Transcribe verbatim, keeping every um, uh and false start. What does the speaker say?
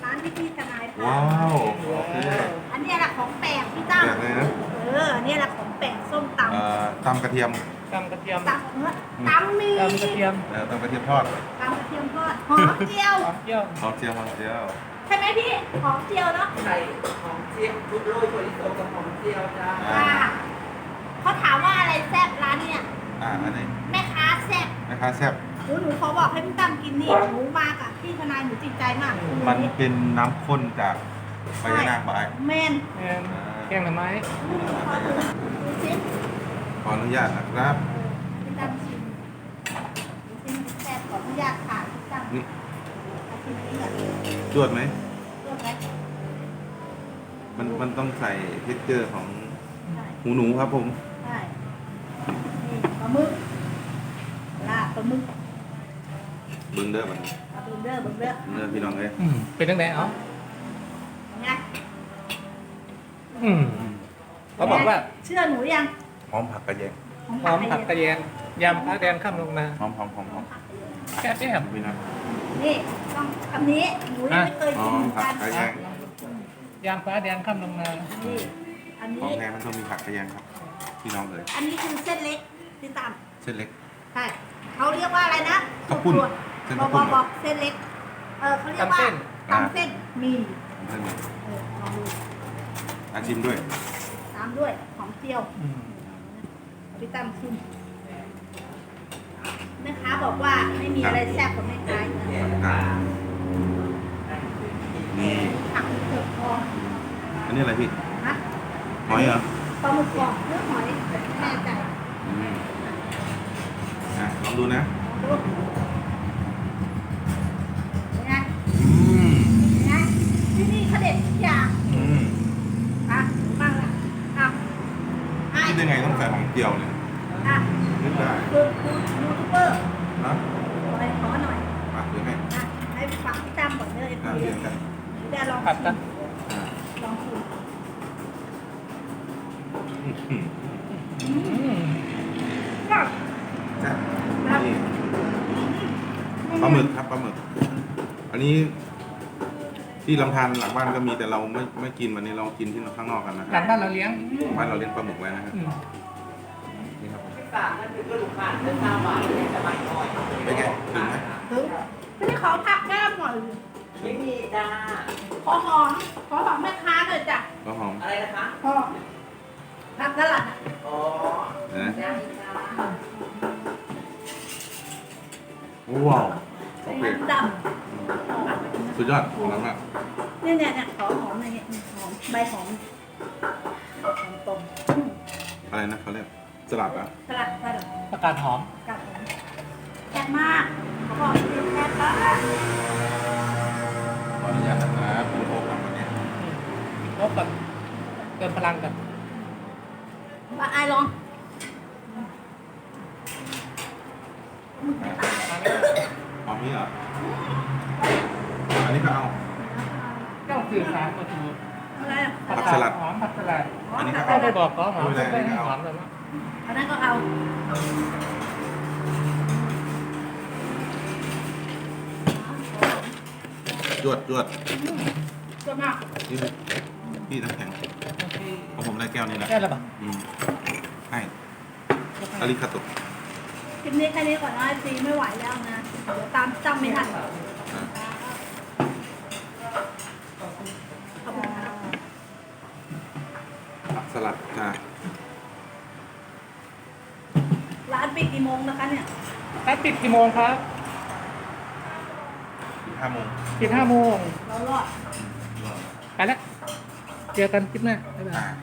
านที่พี่ทนายพาว้าวโอเคอันเนี้ยแหละของแปลกพี่ตั้มแปลกเลยนะเอออันเนี้ยแหละของแปลกส้มตเอ่อตำกระเทียมตำกระเทียมำตำเนื้อตำมีตำกระเทียมเอ่อตำกระเทียมทอดตำกระเทียมทอดหอมเจียวหอมเจียวหอมเจียวหอมเจียวใช่ไหมพี่หอมเจียวเนาะใส่หอมเจียวทุกโรยถั่วลิสงกับหอมเจียวจ้าอ่าค่ะเขาถามว่าอะไรแซ่บร้านเนี่ยอ่าอันนี้แม่ค้าแซ่บแม่ค้าแซ่บหนูหนูขอบอกให้พี่ตั้มกินนี่หนูมากอ่ะพี่ทนายหนูติดใจมากมันเป็นน้ำข้นจากใบยะนางบายแมนแกงแกงหน่อไม้ดูสิขออนุญาตนะครับพี่ตั้มชิมดูสิมันแซ่บขออนุญาตค่ะพี่ตั้มนี่เอาชิมอันนี้ก่อนจวดไหมรวดไหมมันมันต้องใส่เท็กเจอร์ของใช่หูหนูครับผมใช่นี่ปลาหมึกลาบปลาหมึกเบิ้งเด้อมันปลาเบนเดอร์เบนเดอร์เนื้อพี่น้องเลยอืมเป็นตั้งแต่เอาไงอืมเขาบอกว่าเชื่อหนูยังหอมผักกระเทียมหอมผักกระเทียมยำผักแดงข้ามลงมาหอมหอมหอมหอมแค่แซ่บพี่น้องนี่ต้องคำนี้หนูยังไม่เคยหอกินมเหมือนผักักนกระเทียมยำฟ้าแดงข้ามลงมานี่อันของนี้แท้มันต้องมีผักกระเทียมครับ พี่น้องเลยอันนี้คือเส้นเล็กที่ตามเส้นเล็กใช่เขาเรียกว่าอะไรนะข้าวปุ้นเส้เส้นนบอข้าวกปุ้นบอกเส้นเล็ก เออเขาเรียกว่าตำเส้นหมีเส้นเล็กเออลองดูอาชิมด้วยตามด้วยหอมเจียวอืมพี่ตั้มชิมแม่ค้าบอกว่าไม่มีอะไรแซ่บกว่าแม่ค้าอีกนะอ่านี่ผักเผือกทองอันนี้อะไรพี่นะหอยเหรอปลาหมึกกรอบเนื้อหอยไม่แน่ใจอืมอ่ะลองดูนะดูเป็นไงอืมเป็นไงที่นี่เขาเด็ดทุกอย่างอืมอ่ะบ้างละอ่ะอ่ะคิดยังไงต้องใส่หอมเจียวเนี่ยอ่ะนึกได้คือคือยูทูบเบอร์นะขอขอหน่อยมาเดี๋ยวให้อ่ะให้ฟังพี่ตั้มก่อนเลยอ่าเดี๋เรียยนกันเดี๋ยวลองผัดชิกันมอ่าลองชิมอื้อหืออืมก็จ้ะนี่ปลาหมึกครับปลาหมึก อันนี้ที่ลำธารหลังบ้านก็มีแต่เราไม่ไม่กินวันนี้เรากินที่ข้างนอกกันนะคหลัรับงบ้านเราเลี้ยงบ้านเราเลี้ยงปลาหมึกไว้นะครับอืมนี่ครับผมฝากนั่นคือก็ลูกค้าเดินตามมาเลยจะมาหน่อยเป็นไงถึงไหมถึงไม่ได้ขอพักแก้มหน่อยไม่มีจ้าขอหอมขอหอมแม่ค้าหน่อยจ้ะก็หอมอะไรนะคะหอมผักสลัดอ่ะอ๋อนะได้จ้าว้าวโอเคมันดสุดยอดหอมมากำเนี่ยเนี่ยเนี่ยขอหอมหน่อยเนี่ยหอมใบหอมหอมต้มอะไรนะเขาเรียกสลัดอ่ะสลัดสลัดประกาศหอมกับหอมแซ่บมากเขาบอกแซ่บมากขออนุญาตนะครับคุณโอ๊คครับวันนี้ลบกับเติมพลังกันมาไอายลองหอมนี่เหรออันนี้ก็เอาเจ้าสื่อสารก็ถูกอะไรอ่ะผักสลัดหอมผักสลัดอันนี้ก็ก็เอาได้บอกขอหอมไม่ไม่เป็นไรได้อันนี้ก็หเอาอมเลยนะอันนั้นก็เอาจวดจวดจนมากนี่พี่น้ำแข็งของผมได้แก้วนี้แหละแค่ละบาทอืมให้อาริคาโตะคลิปนี้แค่นี้ก่อนนะซีไม่ไหวแล้วนะ เดี๋ยวตามจำไม่ทันอ่ะขอบคุณครับผักสลัดจ้าร้านปิดกี่โมงนะคะเนี่ยร้านปิดกี่โมงครับห้าโมงปิดห้าโมงเรารอดอืมรอไปแล้ว เจอกันคลิปหน้าบ๊ายบายอ่า